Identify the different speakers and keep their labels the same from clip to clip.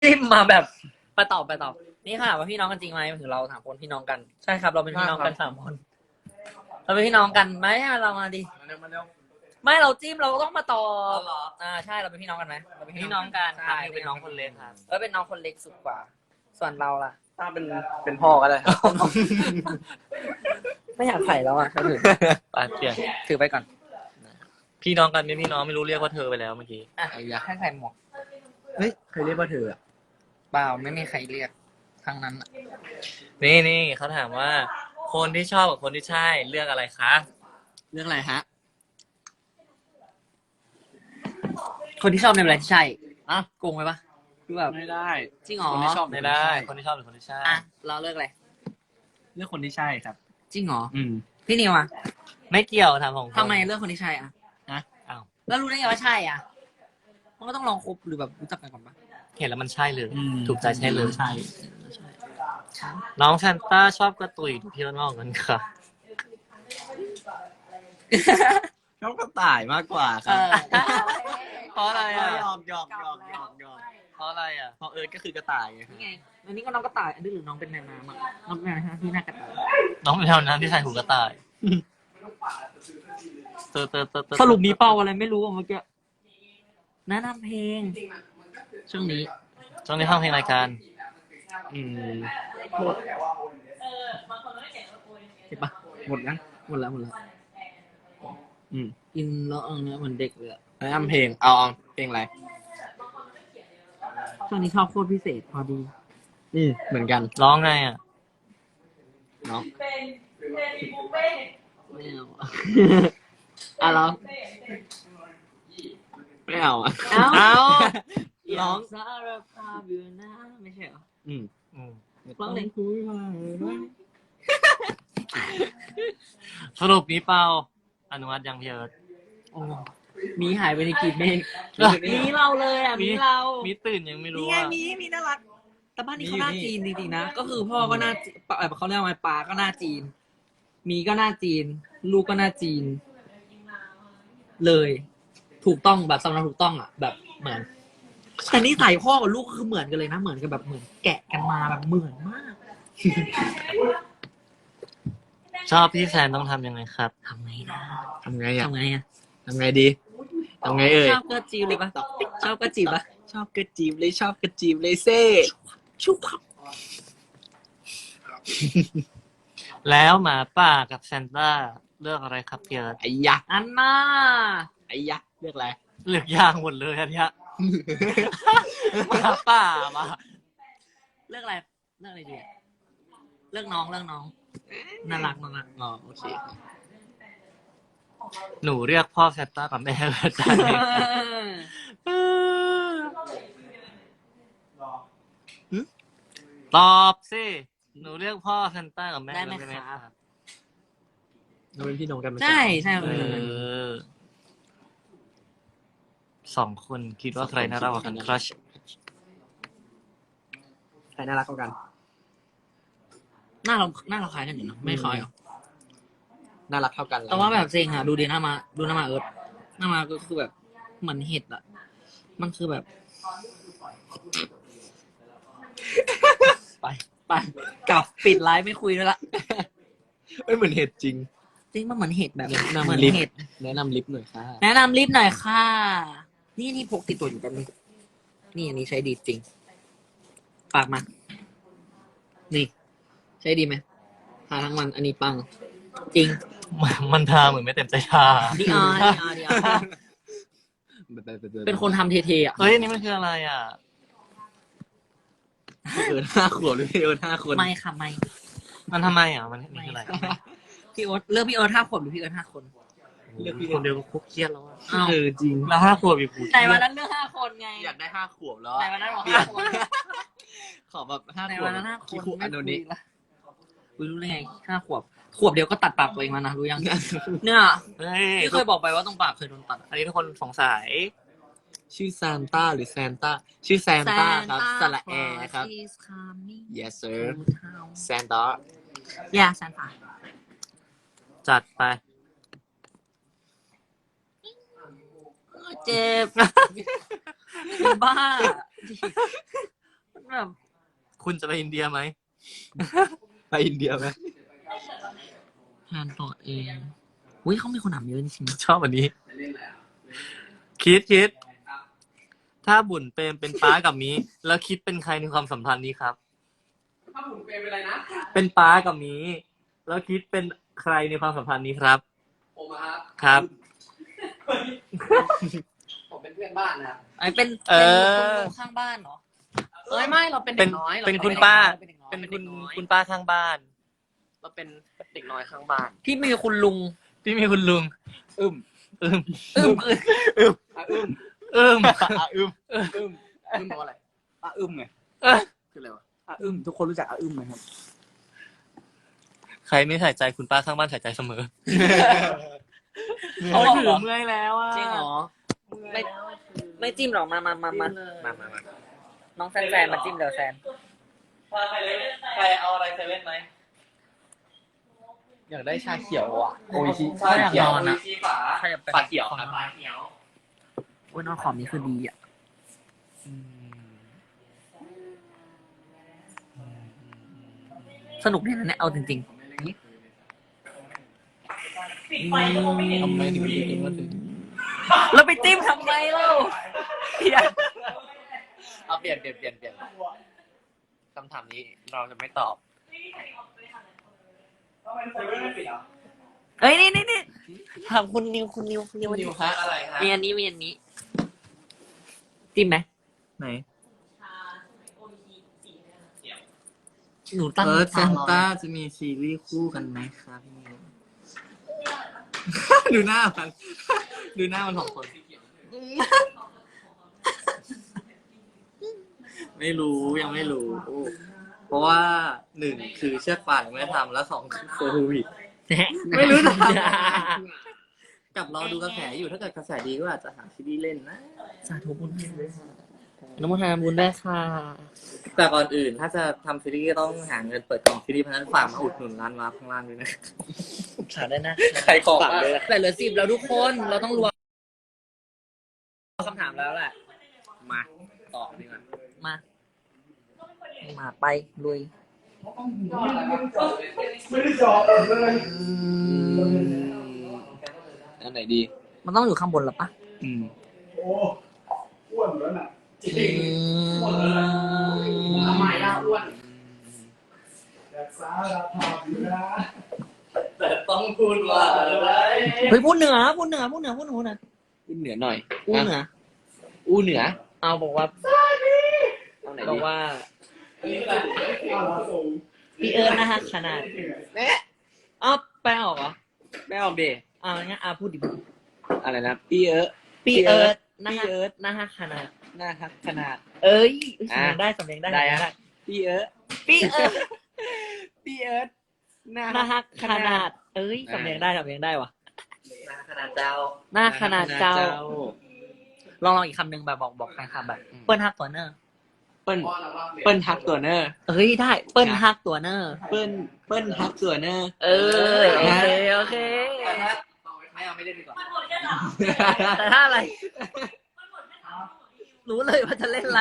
Speaker 1: จิ้มมาแบบไปตอบนี่ค่ะว่าพี่น้องกันจริงไหมถึงเราถามคนพี่น้องกันใช่ครับเราเป็นพี่น้องกัน3 คนเราเป็นพี่น้องกันไหมเรามาดิไม่เราจิ้มเราต้องมาตอบใช่เราเป็นพี่น้องกันไหมเราเป็นพี่น้องกันใช่เป็นน้องคนเล็กครับเป็นน้องคนเล็กสุดกว่าส่วนเราล่ะ
Speaker 2: ถ้าเป็นพ่อก็ได้ครับ
Speaker 1: ไม่อยากใส่แล้วอ่ะถือ
Speaker 3: ปาเปลี่ยน
Speaker 1: ถือไปก่อน
Speaker 3: พี่น้องกันไม่พี่น้องไม่รู้เรียกว่าเธอไปแล้วเมื่อกี้
Speaker 1: อ่ะให้ใส่หมวก
Speaker 2: เฮ้ยเคยเรียกว่าเธออะ
Speaker 1: เปล่าไม่มีใครเรียกทั้งนั้นอะ
Speaker 3: นี่เขาถามว่า คนที่ชอบกับคนที่ใช่เลือกอะไรคะ
Speaker 2: เรื่องอะไรฮะ
Speaker 1: คนที่ชอบในเวลาที่ใช่โกงไหมปะคือแบบ
Speaker 2: ไม่ได้
Speaker 1: จริงเหรอ
Speaker 2: คนที่ชอบ
Speaker 3: ไม่ได้ คนที่ชอบหรือคนที่ใช่
Speaker 1: อ่ะเราเลิกเลย
Speaker 2: เรื่องคนที่ใช่ครับ
Speaker 1: จริงเหรอ
Speaker 2: อืม
Speaker 1: พี่นิวอ่ะ
Speaker 3: ไม่เกี่ยวถามของ
Speaker 1: ทำไมเลือกคนที่ใช่อ่ะ
Speaker 3: อ้าว
Speaker 1: แล้วรู้ได้ไงว่าใช่อ่ะมันก็ต้องลองคบหรือแบบรู้จักกันก่อนปะ
Speaker 3: เห็นแล้วมันใช่เลย
Speaker 2: อืม
Speaker 3: ถูกใจใช่เลย
Speaker 2: ใช่
Speaker 3: น้องแซนต้าชอบกระตุยพี่น้องกันค่ะ
Speaker 2: ชอบกระต่ายมากกว่าค
Speaker 1: เอ
Speaker 2: รับ
Speaker 1: อ
Speaker 3: เพราะอะไรอ่ะ
Speaker 2: หยอก
Speaker 3: เพราะอะไรอ่ะ
Speaker 2: เพราะเอิร์ธก็คือกระต่ายไงครับ
Speaker 1: นี่ไงอันนี้ก็น้องกระต่ายอันนี้หรือน้องเป็นแมวน้ำอ่ะน้องแมวน้ำที่หน้ากระต่าย
Speaker 3: น้องเป็นเท่านั้นที่ใส่หูกระต่ายเตอ
Speaker 1: สรุปมีเป้าอะไรไม่รู้อ่ะเมื่อกี้แนะนำเพลงช่วงนี้
Speaker 3: ช่วงนี้ฟังเพลงรายการ
Speaker 2: อืม
Speaker 1: เห็นปะ
Speaker 2: หมดยัง
Speaker 1: หมดแล้ว
Speaker 2: อืม
Speaker 1: กินแล้วเนี้ยเหมือนเด็กเลยอะ
Speaker 2: แนะนำเพลงเอาเพลงอะไร
Speaker 1: ช่วงนี้ชอบโคตรพิเศษพอดี
Speaker 2: เหมือนกัน
Speaker 3: ร้องไงอ่ะ
Speaker 2: เนาะ
Speaker 1: ไม่เอาอะ อ่ะร้อง
Speaker 2: ไม่เอาอ่ะ
Speaker 1: เอา
Speaker 2: ร้อง
Speaker 1: สารภาพอยู่นะไม่ใช่เหรอ
Speaker 2: อืม
Speaker 1: ร้องเลย
Speaker 2: คุยมาด้วย
Speaker 3: สรุปนี้เปล่าอนุมัติยังพี่เอิร์ธ
Speaker 1: โอ้มีหายไปในกลีบเมฆ
Speaker 3: เอ้ย
Speaker 1: มีเราเลยอ่ะมีเรา
Speaker 3: มีตื่นยังไม่รู้
Speaker 1: นี่ไง
Speaker 3: ว่า
Speaker 1: มีน่ารักแต่บ้านนี้เขาหน้าจีนจริงๆนะก็คือพ่อก็หน้าเขาเรียกว่าไงปลาก็หน้าจีน มีก็หน้าจีน ลูกก็หน้าจีน เลย ถูกต้องแบบสำหรับถูกต้องอ่ะ แบบเหมือนแต่นี่ใส่พ่อกับลูกคือเหมือนกันเลยนะเหมือนกันแบบเหมือนแกะกันมาแบบเหมือนมาก
Speaker 3: ชอบพี่แซนต้องทำยังไงครับ
Speaker 1: ทำไงนะ
Speaker 2: ทำไงอ่ะ
Speaker 1: ทำไงอ่ะ
Speaker 2: ทำไงดีทำไงเอ่ย
Speaker 1: ชอบก็จีบเลยปะชอบก็จีบปะ
Speaker 2: ชอบกระจีบเลยชอบกระจีบเลยเซ่
Speaker 1: ชุบ
Speaker 3: แล้วหมาป่ากับแซนต้าเลือกอะไรครับพี่เอิร์ธ
Speaker 2: ไอ้ยะ
Speaker 1: อันน่า
Speaker 2: ไอ้ยะเรียกอะไร
Speaker 3: เลือกยางหมดเลยอันเนี้ย หมาป่ามา
Speaker 1: เลือกอะไรเลือกอะไรดีอะเลือกน้องน่ารัก
Speaker 2: อ๋อโอเค
Speaker 3: หนูเรียกพ่อแซนต้ากับแม่เอิร์ธได้ไหมตอบสิหนูเรียกพ่อแซนต้ากับแม่
Speaker 1: ได้ไหม
Speaker 3: เอิร์ธได้ไหม
Speaker 1: ครับ
Speaker 3: ครับ
Speaker 2: เราเป็นพี่น้องกันไหม
Speaker 1: ใช่
Speaker 3: เออ2 คนคิดว่าใครน่ารักกว่ากันครัช
Speaker 2: ใครน่ารักกว่ากัน
Speaker 1: หน้าเราคล้ายกันอยู่นะไม่คล้ายหรอ
Speaker 2: น่ารักเท่ากัน
Speaker 1: แต่ว่าแบบเซ็งอะดูดิหน้ามาเอิร์ธหน้ามาก็คือแบบเหมือนเห็ดอะมันคือแบบ ไปกลับปิดไลฟ์ไม่คุยด้วยละ
Speaker 2: ไม่เหมือนเห็ดจริง
Speaker 1: จริงมันเหมือนเห็ดแบบ
Speaker 2: แนะนำ
Speaker 1: เหมือน
Speaker 2: ลิฟต์
Speaker 1: เห็ด
Speaker 2: แนะนำลิฟต์หน่อยค่ะ
Speaker 1: แนะนำลิฟต์หน่อยค่ะ นี่พกติดตัวอยู่กันงนี่อันนี้ใช้ดีจริงฝากมา นี่ ใช้ดีไหมทาทั้งวัน อันนี้ปัง จริง
Speaker 3: มันทาเหมือนไม่เต็มใจทา
Speaker 1: ดีอาเป็นคนทำเทๆอ่ะ
Speaker 3: เฮ้ยอันนี้มันคืออะไรอ่ะ
Speaker 2: พี่เอิร์ธ5 ขวบหรือพี่เอิร์ธ5 คน
Speaker 1: ไม่ค่ะไม่
Speaker 3: มันทำไมอ่ะมันคืออะไร
Speaker 1: พี่โอ๊ตเลือกพี่เอิร์ธ5 ขวบหรือพี่เอิร์ธ5 คน
Speaker 3: เลือกคนเดียวก็คุกเครียดแล้วอ่ะ
Speaker 1: อ้าว
Speaker 2: จริง
Speaker 3: แล้ว5 ขวบอีกกู
Speaker 1: แต่วันนั้นเลือก5 คนไง
Speaker 2: อยากได้5 ขวบแล้ว
Speaker 1: แต่
Speaker 2: อะ
Speaker 1: วันนั้นบอก5 คน
Speaker 2: ขอแบบ5
Speaker 1: แต่
Speaker 2: ขวบ
Speaker 1: วันนั้น5 คน
Speaker 2: กี่ขวบอันนี้
Speaker 1: ละรู้ได้ไง5 ขวบ ขวบเดียวก็ตัดปากตัวเองแล้วนะรู้ยัง เนี่ย
Speaker 3: เฮ้ย
Speaker 1: ที่เคยบอกไปว่าตรงปากเคยโดนตัด
Speaker 3: อันนี้ทุกคนสงสัย
Speaker 2: ชื่อซานต้าหรือแซนต้าชื่อแซนต้าครับสระแอครับ
Speaker 1: is coming
Speaker 2: yes sir
Speaker 1: to town
Speaker 2: แซนต้า
Speaker 1: yeah Santa
Speaker 3: จัดไป
Speaker 1: เจ็บบ้า
Speaker 3: คุณจะไปอินเดียไหม
Speaker 2: ไปอินเดียไหม
Speaker 1: แทนตัวเองอุ้ยเขามีคนถามเยอะจริง
Speaker 3: ชอบอันนี้ คิด ถ้าบุญเปรมเป็นป้ากับมีแล้วคิดเป็นใครในความสัมพันธ์นี้ครับ
Speaker 2: ถ้าผมเป็นอะไรนะ
Speaker 3: เป็นป้ากับมีแล้วคิดเป็นใครในความสัมพันธ์นี้ครับ
Speaker 2: ผมอะครับ
Speaker 3: ครับ
Speaker 2: ผมเป็นเพื่อนบ้านนะครับ
Speaker 1: ๆไอ้เป็น
Speaker 3: เออ
Speaker 1: คนข้างบ้านเหรอ
Speaker 2: ไม่เราเป็นเด็กน้อย
Speaker 3: เป็น
Speaker 2: ร
Speaker 3: คุณป้า
Speaker 2: เป็นเด็กน้อย
Speaker 3: เป็น
Speaker 2: เป็น
Speaker 3: คุ
Speaker 2: เด็
Speaker 3: ณ
Speaker 2: กน้อย
Speaker 3: คุณป้าข้างบ้าน
Speaker 2: เราเป็นเด็กน้อยข้างบ้าน
Speaker 1: พี่มีคุณลุง
Speaker 3: พี่มีคุณลุง
Speaker 2: อึม
Speaker 3: อึม
Speaker 1: อึ้ม
Speaker 2: อะอึม
Speaker 3: อึม
Speaker 2: อะอึมอึมอึมแปลว่าอะไรอะอึมไง
Speaker 3: เอ้ย
Speaker 2: คืออะไรวะอะอึมทุกคนรู้จักอะอึมไหมครับ
Speaker 3: ใครไม่ใส่ใจคุณป้าข้างบ้านใส่ใจเสมอ
Speaker 1: เขาบอกเหรอ
Speaker 3: เมื่อยแล้วอ่ะ
Speaker 1: จริงเหรอ ไม่จิ้มหรอกมา
Speaker 2: มา
Speaker 1: น้องแซนมาจิ้มเดี๋ยวแซน
Speaker 3: ใครเอาอะไรเซเว่นไหม
Speaker 2: อยากได้ชาเขียวอ่ะโอ้ยชิ
Speaker 1: ใช่อยากนอนอะ
Speaker 3: ฝา
Speaker 1: ใครอยากไป
Speaker 2: ฝาเขียวครับ
Speaker 3: ฝาเขียว
Speaker 1: โอ้ยนอนขอบนี้คือดีอ่ะ สนุกดีนะเนี่ยเอาจริง
Speaker 2: ทำไมถึงมีถึงว่าถึง
Speaker 1: ๆ แล้วไปจิ้มทำไมเล่าเหี้ย
Speaker 2: เอาเปลี่ยนคำถามนี้เราจะไม่ตอบ
Speaker 1: เอ้ยนี่ถามคุณนิว
Speaker 2: นิวคะอะไรคะ
Speaker 1: มีอันนี้จิ้มไหม
Speaker 2: ไหน
Speaker 1: หนูตั้ง
Speaker 2: เซนต้าจะมีซีรีส์คู่กันไหมครับพี่นิว ดูหน้ามันดูหน้ามันของคนไม่รู้ยังไม่รู้ เพราะว่าหนึ่งคือเชือกป่านไม่ทำแล้วสองคือโควิด ไม่รู้จะทำกับรอดูกระแสอยู่ถ้าเกิดกระแสดีก็อาจจะหาซีรีส์เล่นนะ
Speaker 1: สาธุบุญน้ำมันทานบุญได้ค่ะ
Speaker 2: แต่ก่อนอื่นถ้าจะทำซีรีส์ก็ต้องหาเงินเปิดกล่องซีรีส์เพราะฉะนั้นฝากมาอุดหนุนร้านวาร์ปข้างล่างด้วยนะ
Speaker 1: สาได้นะ
Speaker 2: ใครของเลย
Speaker 1: แต่เหลือ10แล้วทุกคนเราต้องรวมคำถามแล้วแหละ
Speaker 2: มาต่อดีกว่า
Speaker 1: มาไปลุย
Speaker 2: อันไหนดี
Speaker 1: มันต้องอยู่ข้างบนหรอปะ
Speaker 4: อ้วนแล้วน่ะ
Speaker 2: ทำไมล่ะอ้วน
Speaker 4: รักษาราคาอยู่นะ
Speaker 2: แต่ต้องพูดว่าอะไร
Speaker 1: เฮ้ยพูดเหนือ
Speaker 2: พูดเหนือหน่อย
Speaker 1: พูดเหนือ
Speaker 2: อู้เหนือ
Speaker 1: เอาบอกว่า
Speaker 2: เอาไหน
Speaker 1: บอ
Speaker 2: ดี
Speaker 1: กว่า
Speaker 4: เอาละส่ง
Speaker 1: พี่เอิร์ธนะฮะขนาด
Speaker 2: แม่
Speaker 1: อ้าวแปลออกเหรอ
Speaker 2: แม่ออกเด
Speaker 1: งั้นพูดดิ
Speaker 2: อะไรนะพี่เอิร์ธ
Speaker 1: พี่เอิร์ธนะ
Speaker 2: พี่
Speaker 1: ฮะ
Speaker 2: เอิร์ธ
Speaker 1: นะฮะขนาด
Speaker 2: หน้าครับขนาด
Speaker 1: เอ้ย
Speaker 2: อ่ะ
Speaker 1: สำเนียงได้
Speaker 2: ได้ฮะ พี่เอิร์ธ
Speaker 1: พี่เอิร์ธ
Speaker 2: พี่เอิร์ธหน้า
Speaker 1: นะฮะขนาด เอ้ยสำเนียงได้ว่ะ
Speaker 2: หน้าขนาดเจ้า
Speaker 1: หน้าขนาดเจ้า ลองอีกคำหนึ่งแบบบอกใครคำแบบ เปิ้ลฮักตัวเนอร์
Speaker 2: เปิ้ลทักตัวเนอร์
Speaker 1: เอ้ยได้ เปิ้ลฮักตัวเนอร์
Speaker 2: เปิ้ลทักตัวเนอร์
Speaker 1: โอเค
Speaker 2: ไม่เอาไม่เล่นดีกว่า
Speaker 1: แต่ถ้าอะไร รู้เลยว่าจะเล่นอะไร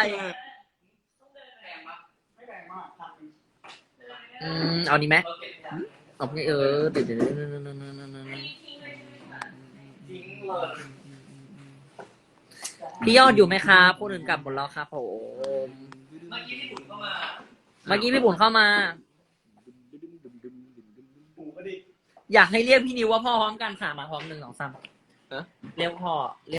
Speaker 4: ไม่แรงมากครับ
Speaker 1: เอานี้ไหมเอาไปเดี๋ยวพี่ยอดอยู่ไหมครับพูดถึงกลับหมดแล้วครับผม เมื่อกี้พี่บุญเข้ามา
Speaker 4: ปูก็ดิ
Speaker 1: อยากให้เรียกพี่นิวว่าพ่อพร้อมกันค่ะมาพร้อม1 2 3
Speaker 2: ฮะ
Speaker 1: เรียกพ่อ